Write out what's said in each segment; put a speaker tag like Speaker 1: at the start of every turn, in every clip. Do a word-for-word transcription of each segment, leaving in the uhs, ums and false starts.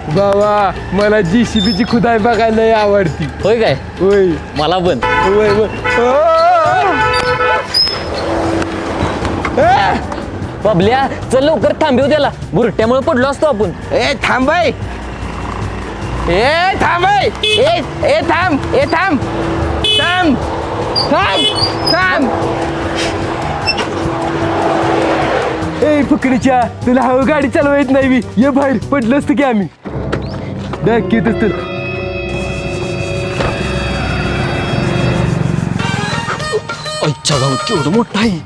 Speaker 1: बाबा मला जीसीबीची खुदाई बघायला लय आवडती.
Speaker 2: होय काय?
Speaker 1: होय
Speaker 2: मला पण.
Speaker 1: होय होय.
Speaker 2: बबल्या चल लवकर थांबव त्याला, बुरट्यामुळे पडलो असतो आपण.
Speaker 1: ए थांब ए थांब ए ए थांब ए थांब थांब थांब थांब. ए फकडीच्या तुला हवं गाडी चालवा येत नाही मी. ये बाहेर पडलं असतं की आम्ही दाखवतच तर.
Speaker 2: अच्छा गावात केवढं मोठं आहे.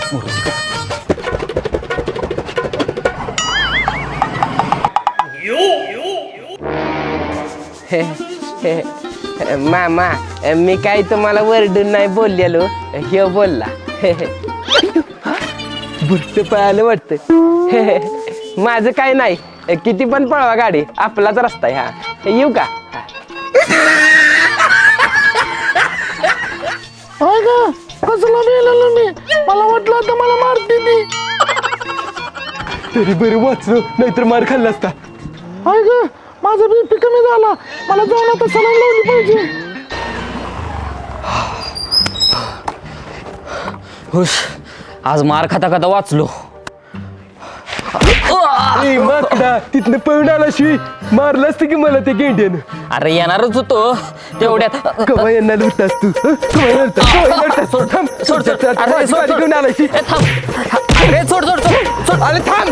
Speaker 1: मामा मी काही तुम्हाला वरडून नाही बोललेलो, हे बोलला. बुरट पळालं वाटतं. माझं काय नाही, किती पण पळवा गाडी, आपलाच रस्ता आहे हा. येऊ का?
Speaker 3: कसला मेलेलो मी, मला वाटलं आता मला मारते ती.
Speaker 1: तरी बरं वाचलो, नाहीतर मार खाल्ला असता.
Speaker 3: हाय ग, माझा बीपी कमी झाला, मला जाऊन आता सलाईन लावली पाहिजे.
Speaker 2: हुश, आज मार खाता खाता वाचलो.
Speaker 1: ए माकडा, तिथनं पळून आला शिवी मारलं असतं की मला ते गेंड्यानं.
Speaker 2: अरे येणारच होतो तेवढ्यात.
Speaker 1: कवा यांना लुटतास तू? कवा लुटतास? कवा लुटतास?
Speaker 2: सोड
Speaker 1: थांब,
Speaker 2: सोड सोड.
Speaker 1: अरे
Speaker 2: अरे सोड
Speaker 1: घेऊन आलाय शी.
Speaker 2: ए, थांब. अरे सोड सोड सोड सोड.
Speaker 1: अरे थांब.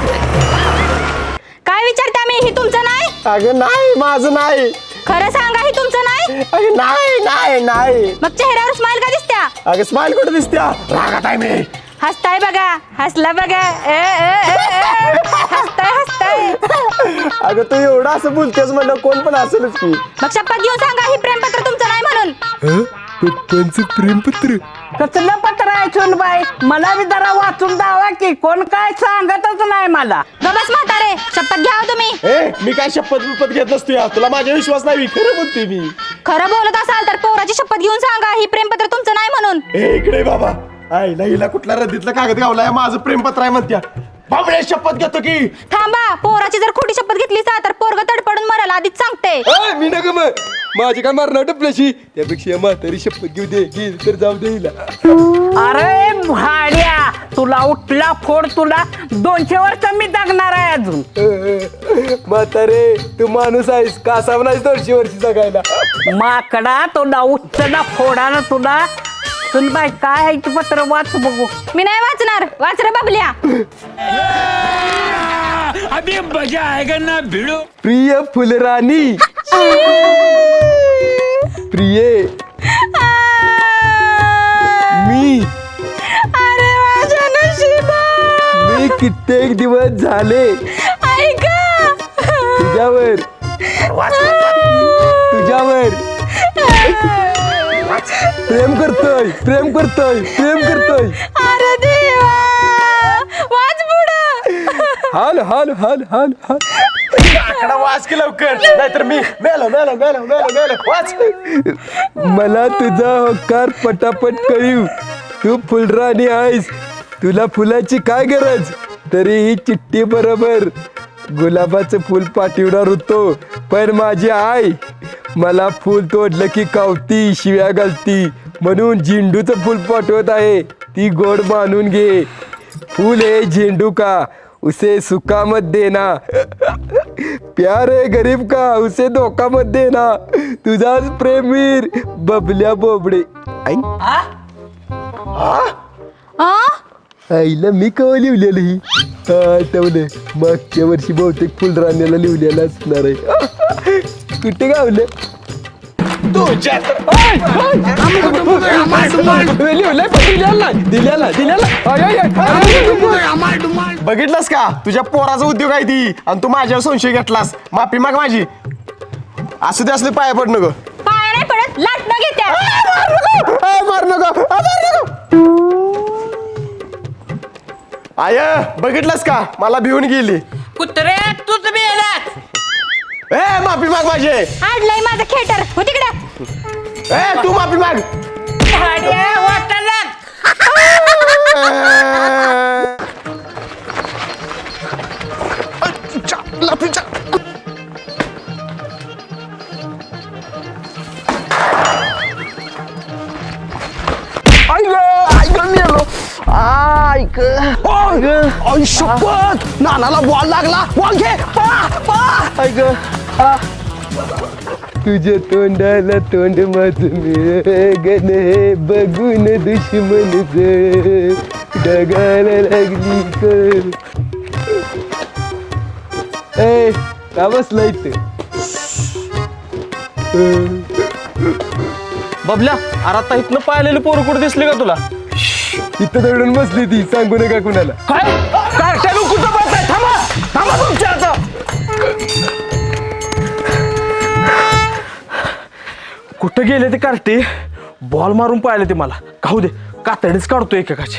Speaker 4: काय विचारता मी? ही तुमचं नाही?
Speaker 3: अगं नाही, माझं नाही.
Speaker 4: खरं सांगा, ही तुमचं नाही?
Speaker 3: अगं नाही नाही नाही.
Speaker 4: मग चेहऱ्यावर स्माइल का दिसत्या?
Speaker 3: अगं स्माइल कुठे दिसत्या? रागात आहे मी.
Speaker 4: हसताय बघा, हसला बघा. ए, ए, ए, ए. हसताय हसताय.
Speaker 3: अगं तू एवढं असं बोलतेस म्हणलं कोण पण असेलच की.
Speaker 4: मग शपथ घेऊन सांगा, ही प्रेमपत्र तुमचं नाही म्हणून.
Speaker 1: पप्पांचं प्रेमपत्र.
Speaker 5: कसलं पत्र आहे सुनबाई? मला बी जरा वाचून दावा की, कोण काय सांगतच नाही मला.
Speaker 4: गबस म्हातारे, शपथ घ्या हो तुम्ही.
Speaker 3: ए मी काय शपथ बिपत घेत नसतो या, तुला माझ्या विश्वास नाही, खरं बोलते मी.
Speaker 4: खरं बोलत असाल तर पोराची शपथ घेऊन सांगा, ही प्रेमपत्र तुमचं नाही म्हणून.
Speaker 3: ए इकडे बाबा, आईला हिला कुठला रद्दीतला कागद गावलाय, माझं प्रेमपत्र आहे म्हणत्या. बाबडे शपथ घेतो की.
Speaker 4: थांबा, पोराची जर खोटी शपथ घेतली तर पोरग तडपडून मराल, आधीच सांगते.
Speaker 1: ए, मी नका मग, माझी काय मारणार टपल्याशी. त्यापेक्षा म्हातारी शपथ घेऊ दे, घेईल तर जाऊ दे हिला.
Speaker 5: अरे भाड्या, तुला उठला फोड, तुला दोनशे वर्ष मी जगणार आहे अजून.
Speaker 1: म्हातारे तू माणूस आहेस, कासाव नाहीस दोनशे वर्षी जगायला.
Speaker 5: माकडा, तुला उठला फोडा ना तुला. सुनबाई काय आहे ते पत्र वाच बघू.
Speaker 4: मी नाही वाचणार, वाच रे बाबल्या.
Speaker 6: अभी मजा आएगा ना भिड़ो.
Speaker 1: प्रिय फुलराणी, प्रिये मी
Speaker 4: अरे माझ्या नशिबा.
Speaker 1: मी कित्येक दिवस झाले
Speaker 4: ऐका.
Speaker 1: तुझ्यावर तुझ्यावर प्रेम करतोय प्रेम करतोय प्रेम करतोय.
Speaker 4: अरे देवा, वाच पुढं.
Speaker 1: हाल हाल हाल हाल हाल.
Speaker 3: आकडा वाच की लवकर, नाहीतर मी मेलो मेलो मेलो मेलो मेलो. वाच.
Speaker 1: मला तुझा होकार पटापट कळीव. तू फुलराणी आहेस, तुला फुलाची काय गरज. तरी ही चिठ्ठी बरोबर गुलाबाचं फुल पाठवणार होतो, पण माझी आई मला फुल तोडलं की कावती, शिव्या घालती, म्हणून झेंडूचं फुल पाठवत आहे. ती गोड मानून घे. फूल है झेंडू का, उसे सुखा मत देना. प्यार है गरीब का, उसे धोखा मत देना. तुझाच प्रेमीर बबल्या बोबडे. आई
Speaker 4: आ?
Speaker 1: आईला मी कवा लिहिलेलं ही आठवलं. मागच्या वर्षी बहुतेक फुलराण्याला लिहिलेलं असणार आहे. कुठे गावलं
Speaker 3: तुझ्या बघितलंस का, तुझ्या पोराचा उद्योग आहे ती, आणि तू माझ्यावर संशय घेतलास. माफी माग माझी. असू दे, असले पाया पड नको.
Speaker 4: पाया नाही पडत, लाटणं घेत्या.
Speaker 3: मार नको, मार नको. आय बघितलंस का, मला भिवून गेली.
Speaker 5: कुत्रे तूच मेलास.
Speaker 3: ए माफी माग माझी.
Speaker 4: आणलंय माझं खेटर, हो तिकडे.
Speaker 3: ए तू माफी माग.
Speaker 5: भाड्या वाटायला.
Speaker 3: शपथ नानाला बॉल लागला बॉल घे पळा पळा
Speaker 1: ऐक तुझ्या तोंडाला तोंड माझं गण हे बघून दुश्मन डगायला लागली कर ए का बसला इथे
Speaker 3: बबल्या अरे आता इथनं पाहिलेली पोरं कुठे दिसली का तुला
Speaker 1: इथं दडून बसली ती सांगू नका कुणाला
Speaker 3: काय कार्ट्या कुठं बसताय थांबा थांबा तुमच्या आता कुठं गेले ते कार्टे बॉल मारून पाहिले ते मला खाऊ दे कातडीच काढतो एकेकाची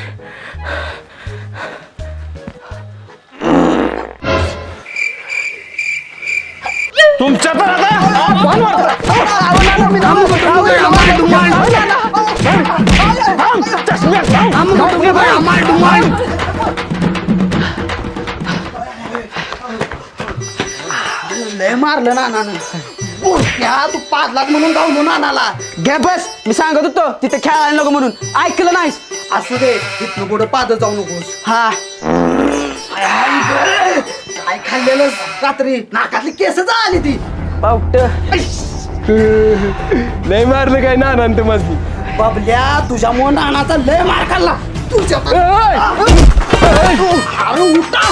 Speaker 3: तुमच्या तर आता बॉल
Speaker 7: लय मारलं नानानं त्या तू पाच लाख म्हणून जाऊ नानाला घे बस मी सांगत होतो तिथे खेळायला नको म्हणून ऐकलं नाहीस असू दे तिथनं पुढे पादत जाऊ नकोस हा काय खाल्लेलं रात्री नाकातली केस आली ती
Speaker 3: पावट
Speaker 1: लय मारलं काय ना अनंत माझी
Speaker 7: बाबल्या तुझ्यामुळे नानाचा लय मार खाल्ला तुझ्या अरे उठा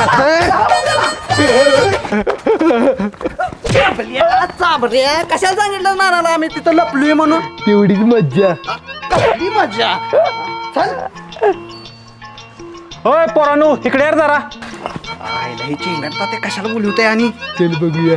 Speaker 7: बाबल्या, चाबऱ्या कशाला सांगितलं नानाला आम्ही तिथं लपलोय म्हणून
Speaker 1: तेवढीच मज्जा
Speaker 7: कसली मजा चल
Speaker 3: होय पोरानू इकडे यार जरा
Speaker 7: आईला ही चिंगडता ते कशाला बोलवते आणि
Speaker 1: चल बघूया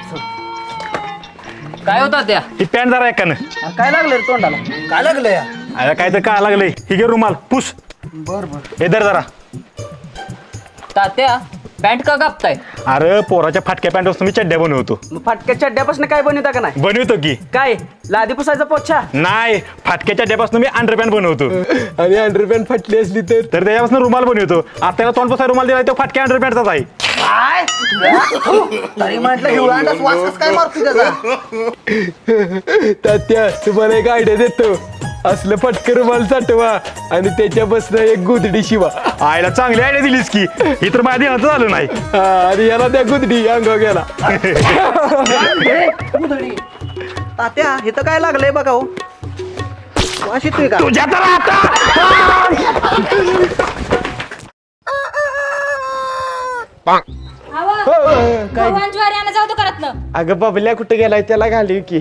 Speaker 2: काय होता त्या
Speaker 3: ही पॅन्ट जरा एकानं
Speaker 7: काय लागलं रे तोंडाला काय लागलं या
Speaker 3: अरे काय तर काय लागलंय ही घे रुमाल पुस
Speaker 7: बर बर
Speaker 3: हे धर जरा
Speaker 2: तात्या पॅन्ट का कापताय
Speaker 3: अरे पोराच्या फाटक्या पॅन्ट मी चड्ड्या बनवतो
Speaker 7: मग फाटक्या चड्ड्यापासून काय बनवता का नाही
Speaker 3: बनवतो की
Speaker 7: काय लादी पुसायचा पोछा
Speaker 3: नाही फाटक्या चड्ड्यापासून मी अंडरपॅन्ट बनवतो
Speaker 1: आणि अंडरपॅन्ट फाटली असली तर
Speaker 3: तर त्याच्यापासून रुमाल बनवतो आता त्याला तोंड पसाय रुमाल दिला तो फाटक्या अंडरपॅन्टचाच आहे
Speaker 7: काय तरी म्हटलं हिवळांडाच वास काय मारतो त्याचा
Speaker 1: तात्या तुम्हाला एक आयडिया देतो असलं फटकं रुमाल साठवा आणि त्याच्या बसनं एक गुदडी शिवा
Speaker 3: आईला चांगली आयडिया दिलीस की ही तर माझ्या ध्यानात झालं नाही
Speaker 1: हा, आणि याला त्या गुदडी अंगावर गेला
Speaker 7: तात्या हे तर काय लागलंय बघा हो वास येतोय का
Speaker 3: तुझ्या तर आता
Speaker 4: भगवान ज्वारी आणा जाऊ तो करत ना
Speaker 3: अगं बबल्या कुठे गेलाय त्याला घाली की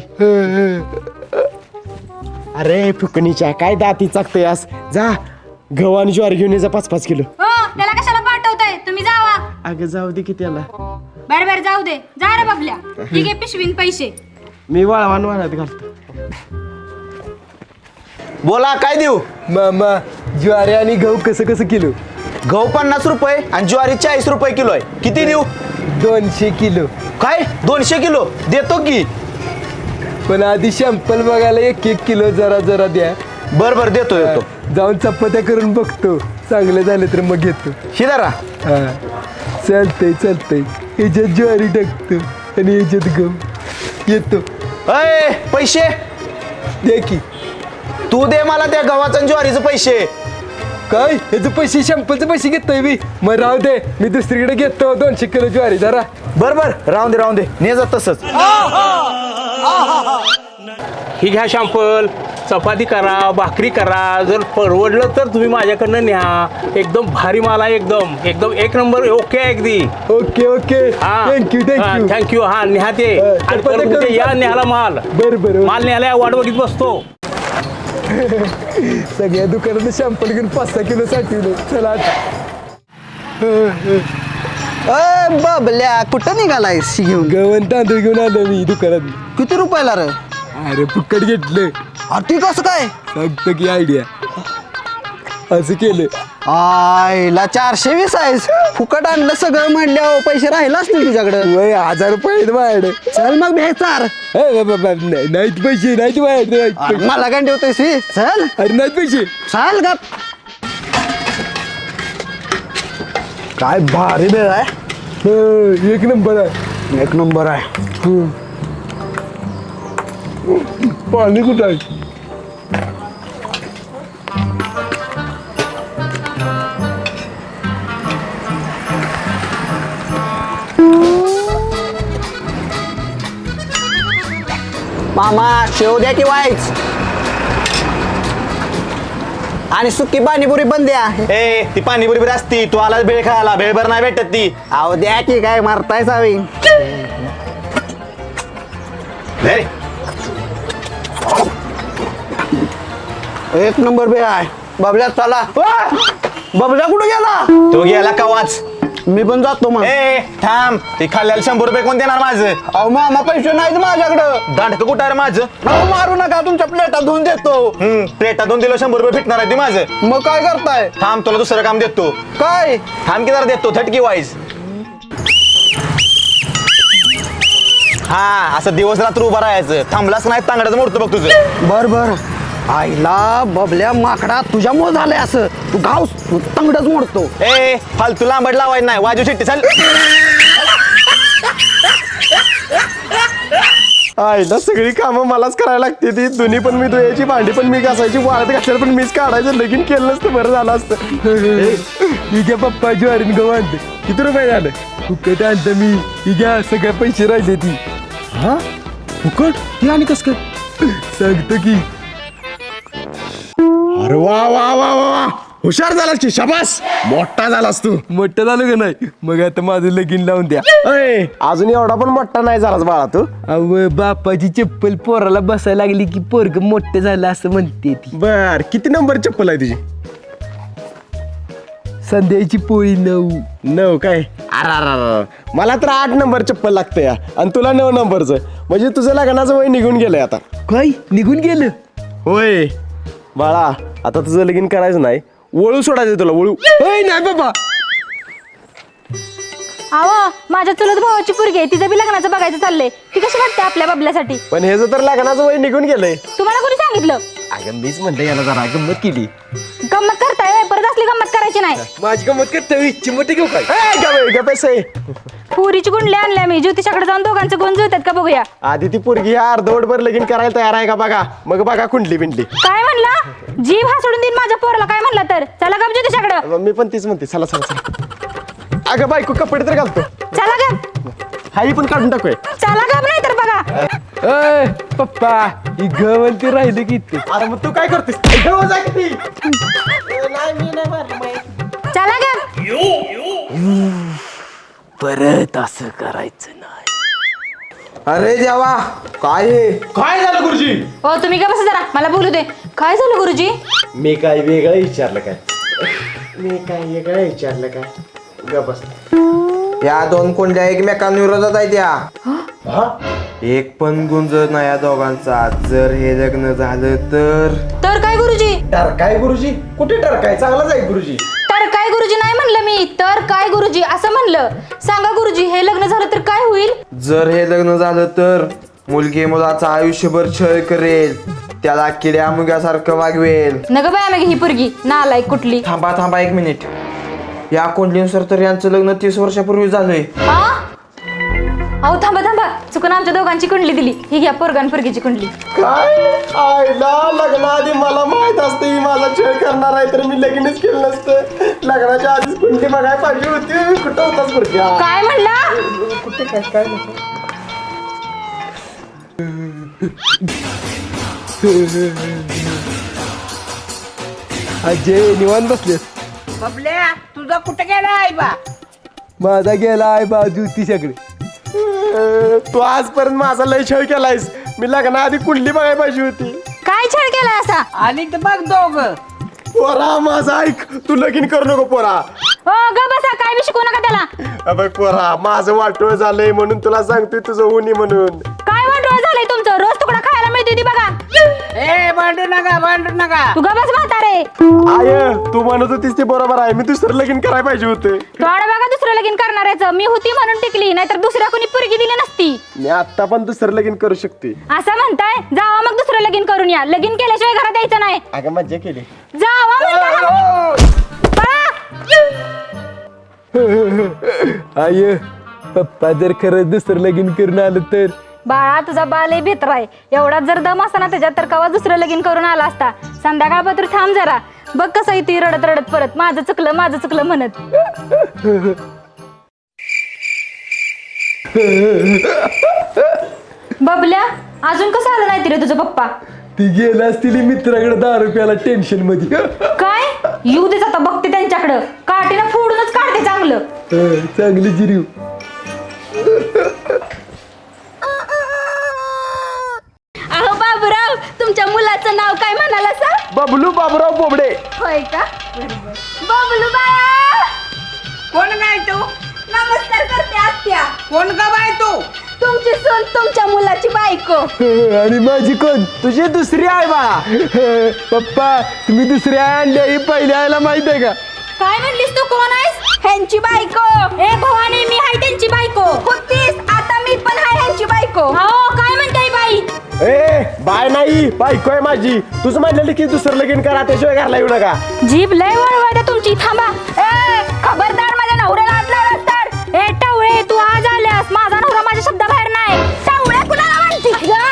Speaker 3: अरे फुकणीच्या काय दाती चाकतोयास जा गव्हाण ज्वारी घेऊन ये जा पाच पाच किलो
Speaker 4: हो त्याला कशाला पाठवताय तुम्ही जावा
Speaker 3: अगं जाऊ दे की त्याला
Speaker 4: बर बर जाऊ दे जा रे बाबल्या ठीक आहे पिशवीन पैसे
Speaker 3: मी वाळवान वाळत घालतो
Speaker 8: बोला काय देऊ
Speaker 1: मामा ज्वारी आणि गहू कसं कसं किलो
Speaker 8: गहू पन्नास रुपये आणि ज्वारी चाळीस रुपये किलो आहे किती देऊ
Speaker 1: दोनशे किलो
Speaker 8: काय दोनशे किलो देतो की
Speaker 1: पण आधी शॅम्पल बघायला एक एक किलो जरा जरा द्या
Speaker 8: बर बर देतो देतो
Speaker 1: जाऊन चपात्या करून बघतो चांगलं झालं तर मग घेतो
Speaker 8: ही धरा
Speaker 1: हा चालतंय चालतंय ह्याच्यात ज्वारी टाकतो आणि ह्याच्यात गहू येतो
Speaker 8: अय पैसे
Speaker 1: दे की
Speaker 8: तू दे मला त्या गव्हाचं आणि ज्वारीचं पैसे
Speaker 1: काय ह्याचे पैसे शॅम्पलचे पैसे घेतोय मी मग राहू दे मी दुसरीकडे घेतो दोनशे किलो ज्वारी जरा
Speaker 8: बर बर राहून दे राहून दे ने जा तसंच
Speaker 5: ही घ्या शॅम्पल चपाती करा भाकरी करा जर परवडलं तर तुम्ही माझ्याकडनं न्या एकदम भारी माल आहे एकदम एकदम एक नंबर ओके आहे अगदी
Speaker 1: okay okay thank you thank you
Speaker 5: thank you हा न्या ते
Speaker 1: हा,
Speaker 5: आणि
Speaker 1: चपात्या
Speaker 5: परत
Speaker 1: करून
Speaker 5: उद्या या
Speaker 1: टाकतो.
Speaker 5: न्याला माल
Speaker 1: बरं बरं
Speaker 5: माल न्यायला वाट बघित बसतो
Speaker 1: सगळ्या दुकानात शॅम्पल घेऊन पाच सहा किलो साठवलं चला आता
Speaker 7: अय बाबल्या कुठं निघालाय शी घेऊन
Speaker 1: गव्हाण तांदूळ घेऊन आलो मी दुकानात
Speaker 7: किती रुपयाला रे
Speaker 1: अरे फुकट घेतलं
Speaker 7: अति कसं काय
Speaker 1: सांगतो की आयडिया असं केलं
Speaker 7: आईला चारशे वीस आहेस फुकट आणलं सगळं म्हणल्यावर पैसे राहिले असतील तुझ्याकडे
Speaker 1: वय हजार रुपये आहेत माझ्याकडे
Speaker 7: चल मग भेचार
Speaker 1: ए बाबा, बाबा, नाही- नाहीत पैसे नाहीत माझ्याकडे नाहीत पैसे.
Speaker 7: मला काय ठेवतोयस ही? चल
Speaker 1: अरे नाहीत पैसे
Speaker 7: चाल गप काय भारी वेळ आहे
Speaker 1: हो, एक नंबर आहे
Speaker 7: एक नंबर आहे
Speaker 1: पाणी कुठं आहे
Speaker 7: मामा शेव द्या की वाईच आणि सुकी पाणीपुरी पण द्या.
Speaker 8: ए ती पाणीपुरी बरी असती तू आला भेळ खायला भेळभर नाही भेटत ती.
Speaker 7: अहो द्या की काय मारताय सावी.
Speaker 8: धर.
Speaker 7: एक नंबर बे आहे. बबल्या चला. वा! बबल्या कुठे गेला?
Speaker 8: तो गेला कवाच.
Speaker 7: मी पण जातो मग.
Speaker 8: ए थांब ते खाल्ल्याला शंभर रुपये कोण देणार माझं.
Speaker 7: अहो मामा पैसे नाहीत माझ्याकडं.
Speaker 8: दांडक कुठं आहे रे माझं.
Speaker 7: अहो मारू नका तुमच्या प्लेटा धुवून देतो.
Speaker 8: हम्म प्लेटातून दिलं शंभर रुपये भेटणार आहे ते माझं.
Speaker 7: मग काय करताय?
Speaker 8: थांब तुला दुसरं काम देतो.
Speaker 7: काय?
Speaker 8: थांब की जरा देतो थटकी वाईज. हा असं दिवस रात्र उभा राहायचं थांबलाच नाही तांगड्याचं मोडतो बघ तुझं.
Speaker 7: बर बर. आईला बबल्या माकडा तुझ्यामुळे झालंय असं. तू गाव तंगडच मोडतो.
Speaker 8: ए फालतू लांबड लावायचं नाही वाजू शिट्टी चाल.
Speaker 3: आईला सगळी कामं मलाच करायला लागते ती. दोन्ही पण मी धुयाची, भांडी पण मी घासायची, वाळत घासायला पण मीच काढायचं. लगीन केलं नसतं बरं झालं असतं.
Speaker 1: ही घ्या पप्पा ज्वारीन गहू आणते. किती रुपये झालं? फुकट आणतं मी. ही घ्या सगळे पैसे राहिले ती.
Speaker 3: हा फुकट ती आणि कस काय
Speaker 1: सांगतो की.
Speaker 3: अरे वा वा वा वा वा हुशार झालास की शाबास. मोठा झालास तू.
Speaker 1: मोठं झालं का नाही? मग आता माझं लगीन लावून द्या.
Speaker 3: अय अजून एवढा पण मोठा नाही झालास बाळा तू.
Speaker 1: अव बापाची चप्पल पोराला बसायला लागली की पोरग मोठं झालं असं म्हणते ती.
Speaker 3: बर किती नंबर चप्पल आहे तुझी?
Speaker 1: संध्याची पोळी नऊ.
Speaker 3: नऊ काय? अरे अरे अरे मला तर आठ नंबर चप्पल लागतं या आणि तुला नऊ नंबरचं. म्हणजे तुझं लग्नाचं वय निघून गेलंय आता.
Speaker 1: काय निघून गेलं?
Speaker 3: होय बाळा आता तुझं लगीन करायचं नाही. वळू सोडायचं तुला वळू.
Speaker 1: होय नाही बाबा.
Speaker 4: अहो माझ्या चुलत भावाची पोरगी आहे, तिचं बी लग्नाचं बघायचं चाललंय. ती कशी वाटते आपल्या बबल्यासाठी?
Speaker 3: पण हे तर लग्नाचं वय निघून गेलंय.
Speaker 4: तुम्हाला कोणी सांगितलं?
Speaker 1: अगं मीच म्हणते याला जरा गंमत केली.
Speaker 4: गंमत करताय होय? परत असली गंमत करायची नाही.
Speaker 1: माझी गंमत करते चिमटी घेऊ काय?
Speaker 3: ए, गप रे, गप पैसे.
Speaker 4: पुरीची गुंडली आणल्या मी. ज्योतिषाकडे जाऊन दोघांचं गुण जुळतात का बघूया.
Speaker 3: आधी ती पोरगी ह्या अर्धवटभर लगीन करायला तयार आहे का बघा. मग बघा कुंडली बिंडली.
Speaker 4: काय म्हणला? जीव हा सोडून देईन माझ्या पोराला. काय म्हणला तर चला गप ज्योतिषाकडं.
Speaker 3: मग मी पण तीच म्हणते चला चला चला. अगं बायको कपडे तर घालतो.
Speaker 4: चला गप.
Speaker 3: हाई पण काढून टाकूय.
Speaker 4: चला गप नाही तर बघा.
Speaker 1: अय पप्पा ही गवलती राहिली की इथे.
Speaker 3: अरे मग तू काय करतेस? इकडं जा किती.
Speaker 4: चला गप.
Speaker 1: परत असं करायचं नाही.
Speaker 8: अरे देवा काय हे.
Speaker 3: काय झालं गुरुजी?
Speaker 4: हो तुम्ही का बसा जरा, मला बोलू दे. काय झालं गुरुजी?
Speaker 3: मी काय वेगळं विचारलं काय? मी काय वेगळं विचारलं काय? ग बस.
Speaker 8: या दोन कोंड्या एकमेकांविरोधात आहेत या. एक पण गुंजत नाही या दोघांचा. जर हे लग्न झालं तर
Speaker 4: तर काय गुरुजी?
Speaker 3: डर काय गुरुजी? कुठे डर काय? चांगलाच आहे गुरुजी.
Speaker 4: तर काय गुरुजी नाही म्हणलं मी. तर काय गुरुजी असं म्हणलं. सांगा गुरुजी हे लग्न झालं तर काय होईल?
Speaker 8: जर हे लग्न झालं तर मुलगी मुलाचा आयुष्यभर छळ करेल. त्याला किड्या मुग्यासारखं वागवेल.
Speaker 4: नग बाय मग ही पोरगी नालायक कुठली.
Speaker 8: थांबा थांबा एक मिनिट. या कोंडलीनुसार तर यांचं लग्न तीस वर्षापूर्वी झालंय.
Speaker 4: हा? अहो थांबा थांबा, चुकून आमच्या दोघांची कुंडली दिली. ही घ्या पोरगान पोरगीची कुंडली.
Speaker 3: काय आईला लग्नाआधी मला माहित असते ही माझा छळ करणार आहे तर मी लगीनच केलं नसतं. लग्नाच्या आधीच कुंडली बघायला पाहिजे होती. कुठं होताच गुरुजी?
Speaker 4: काय म्हणला?
Speaker 3: कुठे काय काय नको.
Speaker 1: अजय निवांत बसलेस.
Speaker 7: बबल्या तुझा कुठे गेला आहे बा?
Speaker 1: माझा गेला आहे बाजू तिच्याकडे.
Speaker 3: तू आजपर्यंत माझा लय छळ केलायस. मी लग्नाआधी कुंडली बघायला पाहिजे होती.
Speaker 4: काय छळ केला असा?
Speaker 7: आणि तर बघ दोघ.
Speaker 3: पोरा माझा ऐक. तू लगीन करू नको पोरा.
Speaker 4: हो ग बसा, काय बी शिकू नका त्याला.
Speaker 3: अबे पोरा माझं वाटोळ झालंय म्हणून तुला सांगतोय तुझं उनी म्हणून.
Speaker 4: काय वाटोळ झालंय तुमचं? रोज तुकडा खायला मिळते ती बघा.
Speaker 7: ए भांडू नका भांडू नका.
Speaker 4: तू ग बस म्हातारे.
Speaker 3: आय तू म्हणत होतीस ते बरोबर आहे. मी दुसरं लगीन करायला पाहिजे होते.
Speaker 4: थोडा बघा दुसरं लगीन करणाऱ्याचं. मी होती म्हणून टिकली, नाहीतर दुसऱ्या कोणी पोरगी दिली नसती.
Speaker 3: मी आता पण दुसरं लगीन करू शकते.
Speaker 4: असं म्हणताय? जावा मग दुसरं लगीन करून या. लगीन केल्याशिवाय घरात यायचं नाही.
Speaker 3: अगं मज्जा केली.
Speaker 4: जावा म्हणताना. पळा.
Speaker 1: आय पप्पा जर खरंच दुसरं लगीन करून आलं तर?
Speaker 4: बाळा तुझा बाल लय बेतर आहे. एवढा जर दम असता ना त्याच्यात तर कवा दुसरं लगीन करून आला असता. संध्याकाळपत्र थांब जरा. बघ कसं येते रडत रडत परत माझं चुकलं माझं चुकलं म्हणत. बबल्या अजून कसं आलं नाही रे तुझं पप्पा?
Speaker 1: ती गेला असतील मित्राकडे दारू प्याला टेन्शन मध्ये.
Speaker 4: काय येऊ देच आता बघते त्यांच्याकडं, काठीनं फोडूनच काढते चांगलं.
Speaker 1: हं, चांगली जिरीव.
Speaker 4: अहो बाबूराव, तुमच्या मुलाचं नाव काय म्हणाला सर?
Speaker 3: बबलू बाबूराव बोबडे.
Speaker 4: होय का? बबलू बाया,
Speaker 7: कोण काय तू?
Speaker 4: नमस्कार करते आत्या.
Speaker 7: कोण का बाय तू?
Speaker 4: तुमची सून तुमच्या मुलाची बायको.
Speaker 1: हं, आणि माझी कोण?
Speaker 3: तुझी दुसरी आहे बाळा.
Speaker 1: हं, पप्पा तुम्ही दुसरी आई आणली, ही पहिली आईला माहित आहे का?
Speaker 4: काय म्हणलीस तू? कोण आहेस? ह्यांची बायको. ए भवानी, मी हाय त्यांची बायको. होतीस, आता मी पण हाय ह्यांची बायको. हो, काय म्हणताय बाई?
Speaker 3: ए बाय नाही, बायको आहे माझी. तुझं म्हणलेलं की दुसरं लगीन करा, त्याशिवाय घरला येऊ नका.
Speaker 4: जीभ लय वळवळते तुमची. थांबा. ए खबरदार, माझ्या नवऱ्याला हात लावलास तर. ए टावळे, तू आज आल्यास, माझा नवरा माझ्या शब्दाबाहेर नाही. टावळे कुणाला म्हणते?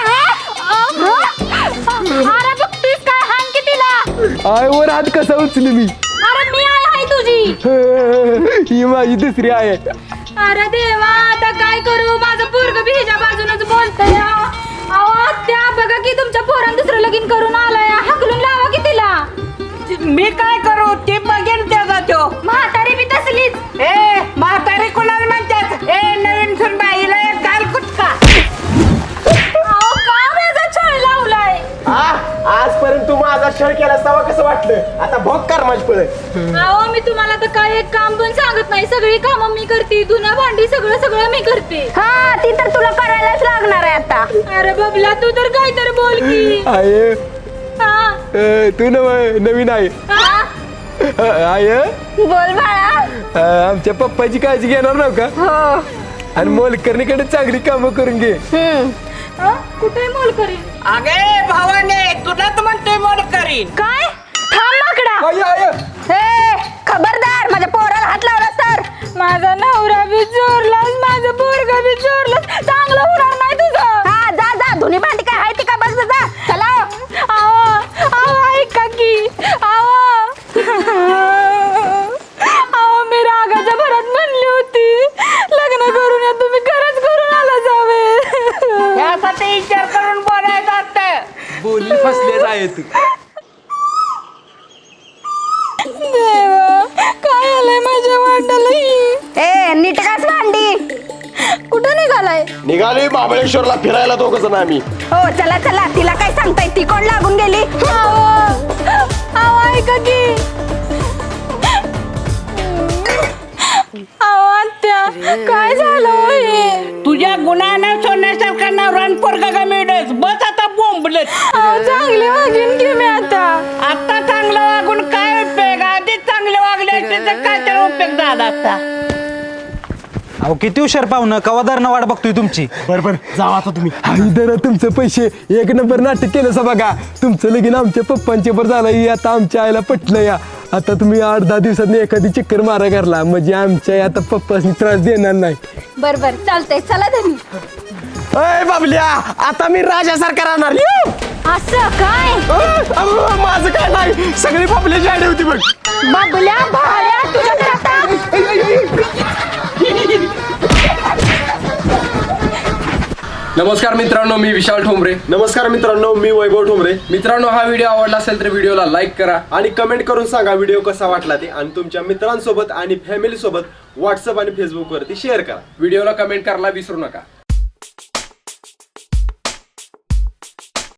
Speaker 4: अरे बघतीस काय? हाण की तिला.
Speaker 1: आईवर हात कसा उचली मी?
Speaker 4: अरे मी आहे हाय तुझी.
Speaker 1: हं, ही माझी दुसरी आई आहे.
Speaker 4: अरे देवा, आता काय करू? माझं पोरग बी ह्याच्या बाजूनच बोलतंय. अहो आत्या, बघा की तुमच्या पोरानं दुसरं लगीन करून आलाय. हाकलून लावा की तिला.
Speaker 7: मी काय करू? ते बघेन त्याचा तो.
Speaker 4: म्हातारी बी तसलीच.
Speaker 7: ए म्हातारी कोणाला म्हणतात? ए नवीन सून बाईला एक गाल कुटका.
Speaker 4: अहो का माझा छळ लावलाय?
Speaker 3: हा, आजपर्यंत तू माझा छळ केला तेव्हा कसं वाटलं? आता भोग कर माझी पळे.
Speaker 4: अहो मी तुम्हाला तर काय एक काम पण सांगत नाही. सगळी कामं मी करते, धुणं भांडी सगळं सगळं मी करते. हा, ती तर तुला करायलाच लागणार आहे आता. अरे बबला, तू तर काय तर बोल की.
Speaker 1: आय
Speaker 4: हा
Speaker 1: अं, तू नव नवीन आहे.
Speaker 4: हा?
Speaker 1: अं, आय
Speaker 4: बोल बाळा.
Speaker 1: अं, आमच्या पप्पाची काळजी घेणार नव्ह का?
Speaker 4: हो.
Speaker 1: आणि मोलकर्णीकडे चांगली कामं करून घे.
Speaker 4: हम्म. कुठे मोल करीन?
Speaker 7: अगे भावाने, तुलाच म्हणते मोड करीन.
Speaker 4: काय? थांब माकडा.
Speaker 1: आय आय
Speaker 4: ए खबरदार, माझ्या पोराला हात लावला तर. माझा नवरा बी चोरलास, माझं पोरगा बी चोरलास. चांगलं होणार नाही तुझं. हा, जा जा, धुनी भांडी काय आहे ती का बघ जा. चला. आवा आवा, ऐका की. आवा आवा, मी रागाच्या भरात म्हणली होती लग्न करून या, तुम्ही खरंच करून आला जावे.
Speaker 7: यासाठी विचार करून बोलायचं असतं.
Speaker 1: बोलली फसलेच आहे तू.
Speaker 4: देवा, काय आलंय माझ्या वाटाला? ए नीट काच भांडी. कुठं निघालाय?
Speaker 3: निघालोय महाबळेश्वरला फिरायला दोघ जण आम्ही.
Speaker 4: हो चला चला. तिला काय सांगताय? ती कोण लागून गेली? आवा ऐका की. आवा आत्या, काय झालं हो हे?
Speaker 7: तुझ्या गुणानं सोन्यासारखा नवरा पोरगा का मिळत. बस आता बोंबलत.
Speaker 4: अहो चांगली वागीन की मी आता.
Speaker 7: आता चांगलं वागून काय उपयोग? आधीच चांगले वागले असते तर काय तर उपयोग झाला असता.
Speaker 9: अहो किती हुशार पाहुणं, कवादारनं वाट बघतोय तुमची.
Speaker 3: बर बर, जावा आता तुम्ही.
Speaker 1: आई दरा तुमचं पैसे एक नंबर नाटक केलं सा बघा. तुमचं लगीन आमच्या पप्पांचे बर झालं, ही आता आमच्या आईला पटलं या. आता तुम्ही आठ दहा दिवसात एखादी चक्कर मारा करला म्हणजे आमच्या आता पप्पासनी त्रास देणार नाही.
Speaker 4: बर बर चालतंय. चला धनी.
Speaker 3: अय बाबल्या, आता मी राजासारखा राहणार. येऊ.
Speaker 4: असं काय?
Speaker 3: अ, अ, माझं काय नाही, सगळी पापल्याची आडी होती बघ.
Speaker 4: बाबल्या भाड्या, तुझ्या तर आता.
Speaker 10: नमस्कार मित्रांनो, मी विशाल ठोंबरे.
Speaker 3: नमस्कार मित्रांनो, मी वैभव ठोंबरे.
Speaker 10: मित्रांनो, हा व्हिडिओ आवडला असेल तर व्हिडिओला लाईक करा
Speaker 3: आणि कमेंट करून सांगा व्हिडिओ कसा वाटला ते, आणि तुमच्या मित्रांसोबत आणि फॅमिली सोबत व्हॉट्सअप आणि फेसबुक वरती शेअर करा.
Speaker 10: व्हिडिओला कमेंट करायला विसरू नका.